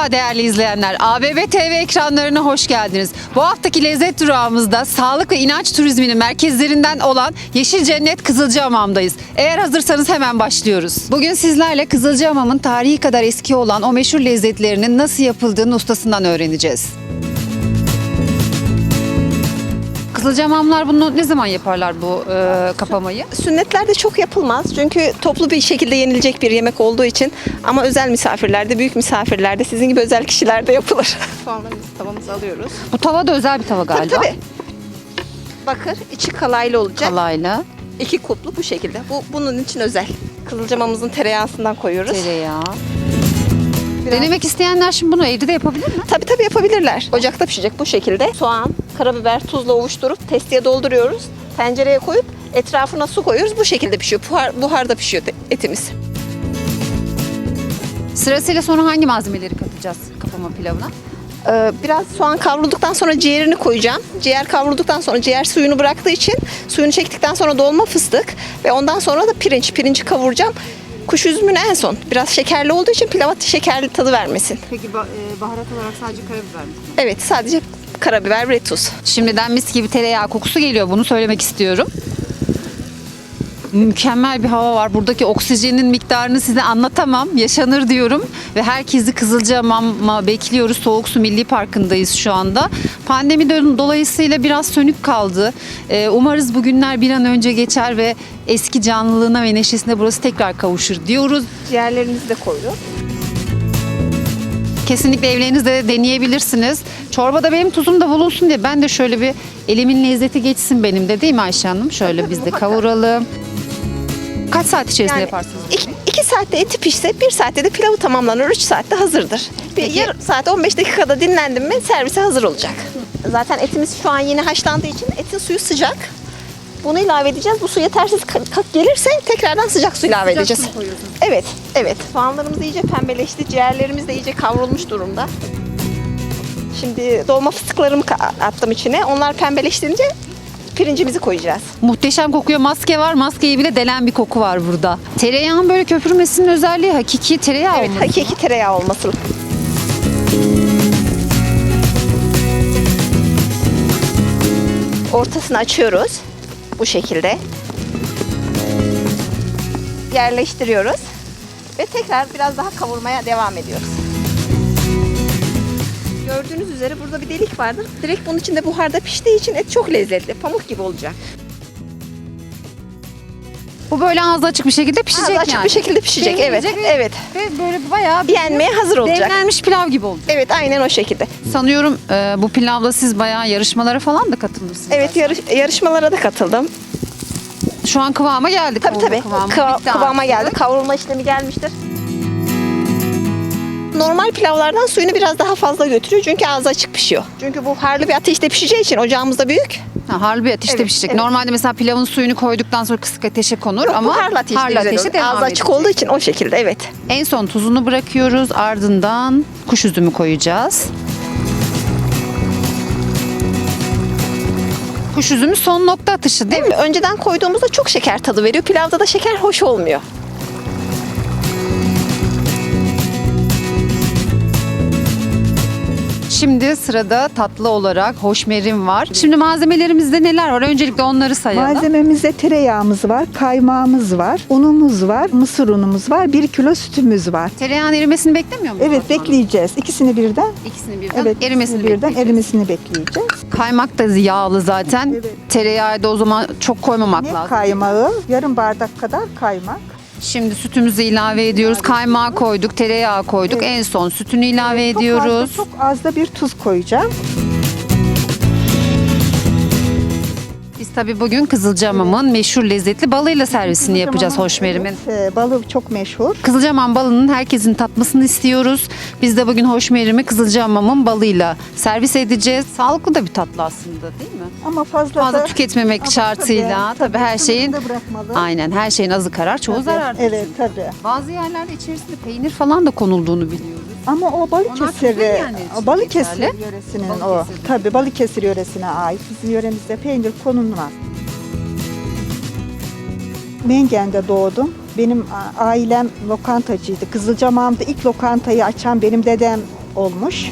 Merhaba değerli izleyenler. ABB TV ekranlarına hoş geldiniz. Bu haftaki lezzet durağımızda sağlık ve inanç turizminin merkezlerinden olan Yeşil Cennet Kızılcahamam'dayız. Eğer hazırsanız hemen başlıyoruz. Bugün sizlerle Kızılcahamam'ın tarihi kadar eski olan o meşhur lezzetlerinin nasıl yapıldığını ustasından öğreneceğiz. Kızılcahamamlar bunu ne zaman yaparlar bu kapamayı? Sünnetlerde çok yapılmaz çünkü toplu bir şekilde yenilecek bir yemek olduğu için, ama özel misafirlerde, büyük misafirlerde, sizin gibi özel kişilerde yapılır. Soğanlarımızı tavamıza alıyoruz. Bu tava da özel bir tava galiba. Tabii. Bakır, içi kalaylı olacak. Kalayla. 2 kuplu bu şekilde. Bu bunun için özel. Kızılcahamamımızın tereyağısından koyuyoruz. Tereyağı. Denemek isteyenler şimdi bunu evde de yapabilir mi? Tabii yapabilirler. Ocakta pişecek bu şekilde. Soğan, karabiber, tuzla ovuşturup testiye dolduruyoruz. Tencereye koyup etrafına su koyuyoruz. Bu şekilde pişiyor. Buharda pişiyor etimiz. Sırasıyla sonra hangi malzemeleri katacağız kapama pilavına? Biraz soğan kavrulduktan sonra ciğerini koyacağım. Ciğer kavrulduktan sonra ciğer suyunu bıraktığı için, suyunu çektikten sonra dolma fıstık ve ondan sonra da pirinci kavuracağım. Kuş üzümünü en son. Biraz şekerli olduğu için pilava şekerli tadı vermesin. Peki baharat olarak sadece karabiber mi? Evet, sadece karabiber ve tuz. Şimdiden mis gibi tereyağı kokusu geliyor. Bunu söylemek istiyorum. Mükemmel bir hava var. Buradaki oksijenin miktarını size anlatamam. Yaşanır diyorum. Ve herkesi Kızılcahamam'a bekliyoruz. Soğuk Su Milli Parkı'ndayız şu anda. Pandemi dolayısıyla biraz sönük kaldı. Umarız bu günler bir an önce geçer ve eski canlılığına ve neşesine burası tekrar kavuşur diyoruz. Ciğerlerimizi de koyduk. Kesinlikle evlerinizde de deneyebilirsiniz. Çorbada benim tuzum da bulunsun diye ben de şöyle bir elimin lezzeti geçsin benim de, değil mi Ayşe Hanım? Şöyle biz de kavuralım. Kaç saat içerisinde yaparsınız? 2 saatte eti pişse 1 saatte de pilavı tamamlanır. 3 saatte hazırdır. Yarım saat 15 dakikada dinlendim mi servise hazır olacak. Zaten etimiz şu an yeni haşlandığı için etin suyu sıcak. Bunu ilave edeceğiz. Bu su yetersiz gelirse tekrardan sıcak su ilave edeceğiz. Evet. Soğanlarımız iyice pembeleşti. Ciğerlerimiz de iyice kavrulmuş durumda. Şimdi dolma fıstıklarımı attım içine. Onlar pembeleştirince pirincimizi koyacağız. Muhteşem kokuyor. Maske var. Maskeyi bile delen bir koku var burada. Tereyağın böyle köpürmesinin özelliği hakiki tereyağı Evet, olması. hakiki tereyağı olması. Ortasını açıyoruz. Bu şekilde. Yerleştiriyoruz. Ve tekrar biraz daha kavurmaya devam ediyoruz. Gördüğünüz üzere burada bir delik vardır. Direkt bunun içinde buharda piştiği için et çok lezzetli. Pamuk gibi olacak. Bu böyle ağzı açık bir şekilde pişecek Ağzı açık yani. bir şekilde pişecek. Evet. Demlenecek Evet. Ve böyle bayağı Yenmeye hazır olacak. demlenmiş pilav gibi olacak. Evet, aynen o şekilde. Sanıyorum bu pilavla siz bayağı yarışmalara falan da katılmışsınız. Evet, yarışmalara da katıldım. Şu an kıvama geldik. Tabii. Bitti Kıvama artık. geldi. Kavrulma işlemi gelmiştir. Normal pilavlardan suyunu biraz daha fazla götürüyor çünkü ağzı açık pişiyor. Çünkü bu harlı bir ateşte pişeceği için ocağımız da büyük. Harlı bir ateşte Evet, pişecek. evet. Normalde mesela pilavın suyunu koyduktan sonra kısık ateşe konur Yok, ama bu harlı ateşte, güzel olur. devam Ağzı açık edecek. olduğu için o şekilde, evet. En son tuzunu bırakıyoruz. Ardından kuş üzümü koyacağız. Kuş üzümü son nokta atışı değil mi? Önceden koyduğumuzda çok şeker tadı veriyor. Pilavda da şeker hoş olmuyor. Şimdi sırada tatlı olarak hoşmerim var. Şimdi malzemelerimizde neler var? Öncelikle onları sayalım. Malzememizde tereyağımız var, kaymağımız var, unumuz var, mısır unumuz var, 1 kilo sütümüz var. Tereyağın erimesini beklemiyor muyuz? Evet, bekleyeceğiz. İkisini birden. İkisini birden Evet, erimesini ikisini birden bekleyeceğiz. erimesini bekleyeceğiz. Kaymak da yağlı zaten. Evet. Tereyağı da o zaman çok koymamak Ne lazım. kaymağı? Yarım bardak kadar kaymak. Şimdi sütümüzü ilave ediyoruz. Kaymağı koyduk, tereyağı koyduk. Evet. En son sütünü ilave Çok ediyoruz. çok az da bir tuz koyacağım. Biz tabii bugün Kızılcahamam'ın meşhur lezzetli balıyla servisini yapacağız hoşmerimin. Evet, balı çok meşhur. Kızılcahamam balının herkesin tatmasını istiyoruz. Biz de bugün hoşmerimi Kızılcahamam'ın balıyla servis edeceğiz. Sağlıklı da bir tatlı aslında, değil mi? Ama fazla Fazla da... tüketmemek Ama şartıyla tabii her şeyin sınırında bırakmalı. aynen her şeyin azı karar, çoğu zarar. Evet, tabii. Bazı yerlerde içerisinde peynir falan da konulduğunu biliyoruz. Ama o Onlar Balıkesir, Kuzey yerleri için Balıkesir geçerli. yöresinin Balıkesir'de. o. Tabii Balıkesir yöresine ait. Bizim yöremizde peynir konulmaz. Mengen'de doğdum. Benim ailem lokantacıydı. Kızılcahamam'da ilk lokantayı açan benim dedem olmuş.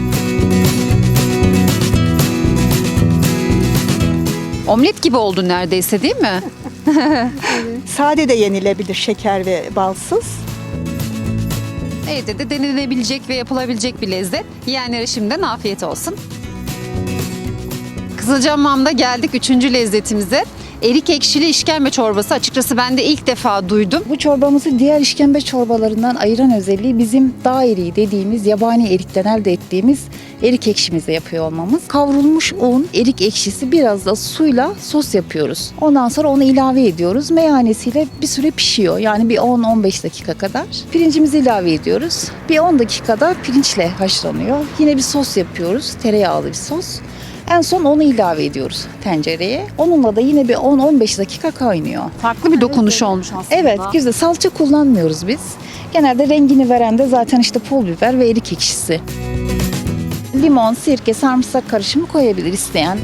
Omlet gibi oldu neredeyse, değil mi? Sade de yenilebilir, şeker ve balsız. Evde de denenebilecek ve yapılabilecek bir lezzet. Yiyenlere şimdiden afiyet olsun. Kızılcahamam'da geldik 3. lezzetimize. Erik ekşili işkembe çorbası. Açıkçası ben de ilk defa duydum. Bu çorbamızı diğer işkembe çorbalarından ayıran özelliği bizim dağ eriği dediğimiz yabani erikten elde ettiğimiz erik ekşimizle yapıyor olmamız. Kavrulmuş un, erik ekşisi biraz da suyla sos yapıyoruz. Ondan sonra onu ilave ediyoruz. Meyhanesiyle bir süre pişiyor. Yani bir 10-15 dakika kadar. Pirincimizi ilave ediyoruz. Bir 10 dakikada pirinçle haşlanıyor. Yine bir sos yapıyoruz. Tereyağlı bir sos. En son onu ilave ediyoruz tencereye. Onunla da yine bir 10-15 dakika kaynıyor. Farklı bir dokunuş olmuş aslında. Evet, güzel. Salça kullanmıyoruz biz. Genelde rengini veren de zaten işte pul biber ve erik ekşisi. Limon, sirke, sarımsak karışımı koyabilir isteyen.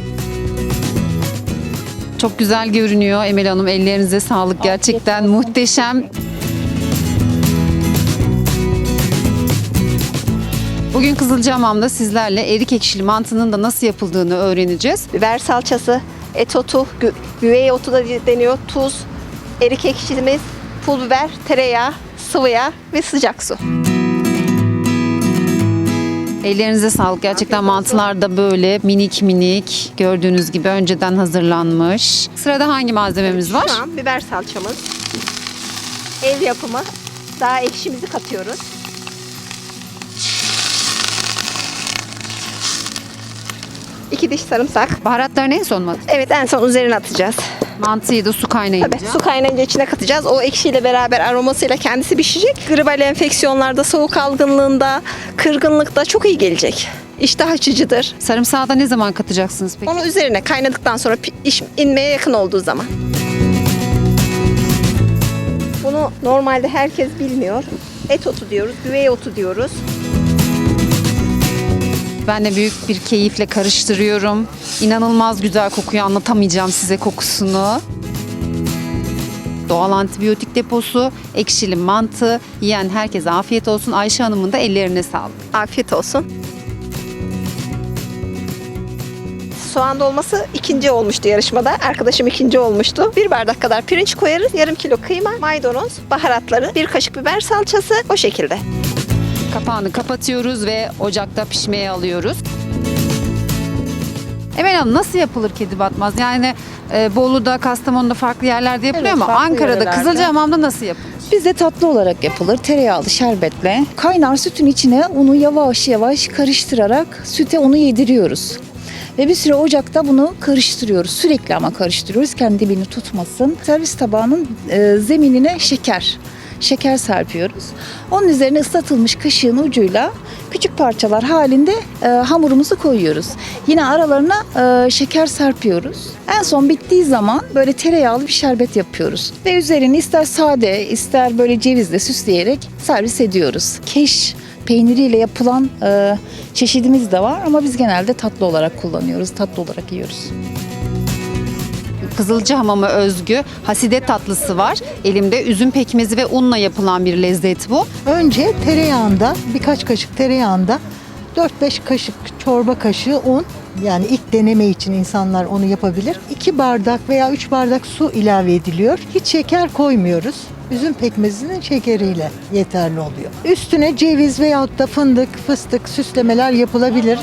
Çok güzel görünüyor Emel Hanım. Ellerinize sağlık. Gerçekten muhteşem. Bugün Kızılcahamam'da sizlerle erik ekşili mantının da nasıl yapıldığını öğreneceğiz. Biber salçası, et otu, güvey otu da deniyor, tuz, erik ekşimiz, pul biber, tereyağı, sıvı yağ ve sıcak su. Ellerinize sağlık. Gerçekten mantılar da böyle minik minik gördüğünüz gibi önceden hazırlanmış. Sırada hangi malzememiz var? Şu an biber salçamız, ev yapımı, daha ekşimizi katıyoruz. İki diş sarımsak. Baharatlarını en son mu? Evet, en son üzerine atacağız. Mantıyı da su kaynayınca. Tabii su kaynayınca içine katacağız. O ekşiyle beraber aromasıyla kendisi pişecek. Gribal enfeksiyonlarda, soğuk algınlığında, kırgınlıkta çok iyi gelecek. İştah açıcıdır. Sarımsağı da ne zaman katacaksınız peki? Onu üzerine kaynadıktan sonra iş inmeye yakın olduğu zaman. Bunu normalde herkes bilmiyor. Et otu diyoruz, güvey otu diyoruz. Ben de büyük bir keyifle karıştırıyorum. İnanılmaz güzel kokuyor. Anlatamayacağım size kokusunu. Doğal antibiyotik deposu, ekşili mantı. Yiyen herkese afiyet olsun. Ayşe Hanım'ın da ellerine sağlık. Afiyet olsun. Soğan dolması ikinci olmuştu yarışmada. Arkadaşım ikinci olmuştu. 1 bardak kadar pirinç koyarız. Yarım kilo kıyma, maydanoz, baharatları, 1 kaşık biber salçası, o şekilde. Kapağını kapatıyoruz ve ocakta pişmeye alıyoruz. Emel Hanım, nasıl yapılır kedi batmaz? Yani Bolu'da, Kastamonu'da farklı yerlerde yapılıyor Evet, ama farklı Ankara'da, yörelerde. Kızılcahamam'da nasıl yapılır? Bizde tatlı olarak yapılır. Tereyağlı şerbetle. Kaynar sütün içine unu yavaş yavaş karıştırarak süte onu yediriyoruz. Ve bir süre ocakta bunu karıştırıyoruz. Sürekli ama karıştırıyoruz. Kendi dibini tutmasın. Servis tabağının zeminine şeker serpiyoruz. Onun üzerine ıslatılmış kaşığın ucuyla küçük parçalar halinde hamurumuzu koyuyoruz. Yine aralarına şeker serpiyoruz. En son bittiği zaman böyle tereyağlı bir şerbet yapıyoruz. Ve üzerini ister sade ister böyle cevizle süsleyerek servis ediyoruz. Keş peyniriyle yapılan çeşidimiz de var ama biz genelde tatlı olarak kullanıyoruz. Tatlı olarak yiyoruz. Kızılcahamam'a özgü haside tatlısı var. Elimde üzüm pekmezi ve unla yapılan bir lezzet bu. Önce tereyağında, birkaç kaşık tereyağında 4-5 kaşık çorba kaşığı un, yani ilk deneme için insanlar onu yapabilir. 2 bardak veya 3 bardak su ilave ediliyor. Hiç şeker koymuyoruz. Üzüm pekmezinin şekeriyle yeterli oluyor. Üstüne ceviz veyahut da fındık, fıstık süslemeler yapılabilir.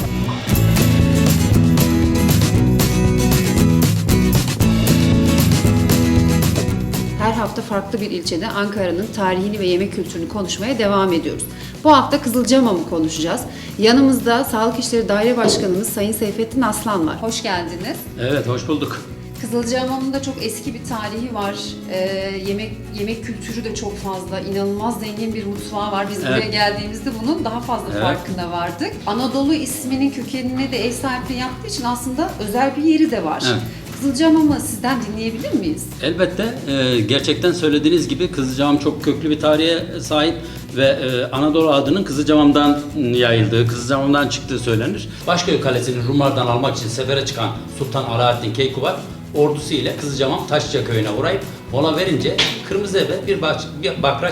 Her hafta farklı bir ilçede Ankara'nın tarihini ve yemek kültürünü konuşmaya devam ediyoruz. Bu hafta Kızılcahamam'ı konuşacağız. Yanımızda Sağlık İşleri Daire Başkanımız Sayın Seyfettin Aslan var. Hoş geldiniz. Evet, hoş bulduk. Kızılcahamam'ın da çok eski bir tarihi var. Yemek kültürü de çok fazla. İnanılmaz zengin bir mutfağı var. Biz buraya Evet. geldiğimizde bunun daha fazla Evet. farkına vardık. Anadolu isminin kökenine de ev sahipliği yaptığı için aslında özel bir yeri de var. Evet. Kızılcahamam'ı sizden dinleyebilir miyiz? Elbette gerçekten söylediğiniz gibi Kızılcahamam çok köklü bir tarihe sahip ve Anadolu adının Kızılcahamam'dan yayıldığı, Kızılcahamam'dan çıktığı söylenir. Başköy Kalesi'ni Rumlardan almak için sefere çıkan Sultan Alaaddin Keykubat ordusu ile Kızılcahamam Taşlıca köyüne uğrayıp mola verince Kırmızı Eve bir bakraç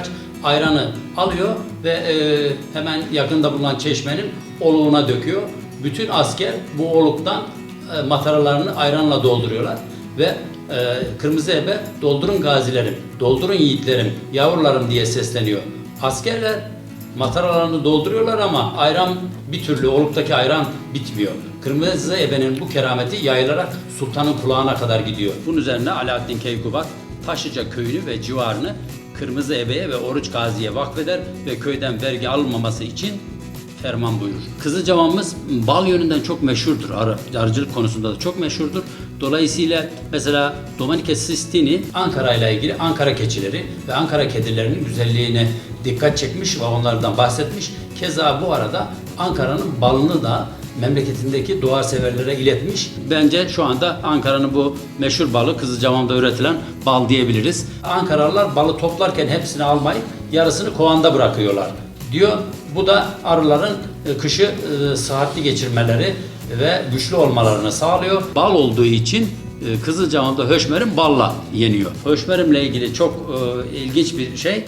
ayranı alıyor ve hemen yakında bulunan çeşmenin oluğuna döküyor. Bütün asker bu oluktan mataralarını ayranla dolduruyorlar ve kırmızı ebe doldurun gazilerim, doldurun yiğitlerim, yavrularım diye sesleniyor. Askerler mataralarını dolduruyorlar ama ayran bir türlü, oluktaki ayran bitmiyor. Kırmızı ebenin bu kerameti yayılarak sultanın kulağına kadar gidiyor. Bunun üzerine Alaaddin Keykubat Taşlıca köyünü ve civarını Kırmızı Ebe'ye ve Oruç Gazi'ye vakfeder ve köyden vergi alınmaması için ferman buyurur. Kızılcamamız bal yönünden çok meşhurdur. Arıcılık konusunda da çok meşhurdur. Dolayısıyla mesela Domenica Sistini Ankara ile ilgili Ankara keçileri ve Ankara kedilerinin güzelliğine dikkat çekmiş ve onlardan bahsetmiş. Keza bu arada Ankara'nın balını da memleketindeki doğa severlere iletmiş. Bence şu anda Ankara'nın bu meşhur balı Kızılcamam'da üretilen bal diyebiliriz. Ankaralılar balı toplarken hepsini almayıp yarısını kovanda bırakıyorlar diyor. Bu da arıların kışı sıhhatli geçirmeleri ve güçlü olmalarını sağlıyor. Bal olduğu için Kızılcamam'da höşmerim balla yeniyor. Höşmerimle ilgili çok ilginç bir şey.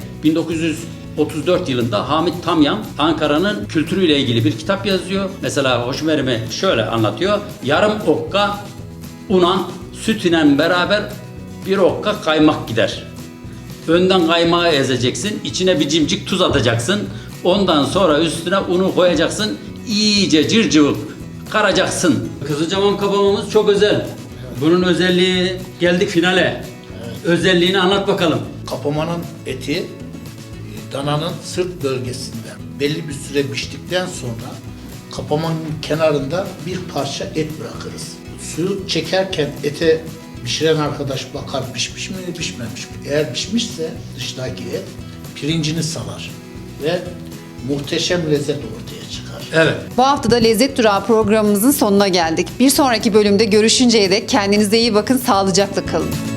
1934 yılında Hamit Tamyan Ankara'nın kültürüyle ilgili bir kitap yazıyor. Mesela höşmerimi şöyle anlatıyor. Yarım okka una süt ile beraber bir okka kaymak gider. Önden kaymağı ezeceksin, içine bir cimcik tuz atacaksın. Ondan sonra üstüne unu koyacaksın, iyice cırcıvık karacaksın. Kızılcamam kabamamız çok özel. Bunun özelliği, geldik finale. Özelliğini anlat bakalım. Kapamanın eti dananın sırt bölgesinde belli bir süre piştikten sonra kapamanın kenarında bir parça et bırakırız. Suyu çekerken ete pişiren arkadaş bakar pişmiş mi pişmemiş mi? Eğer pişmişse dıştaki et pirincini salar ve muhteşem lezzet ortaya çıkar. Evet. Bu hafta da Lezzet Durağı programımızın sonuna geldik. Bir sonraki bölümde görüşünceye dek kendinize iyi bakın, sağlıcakla kalın.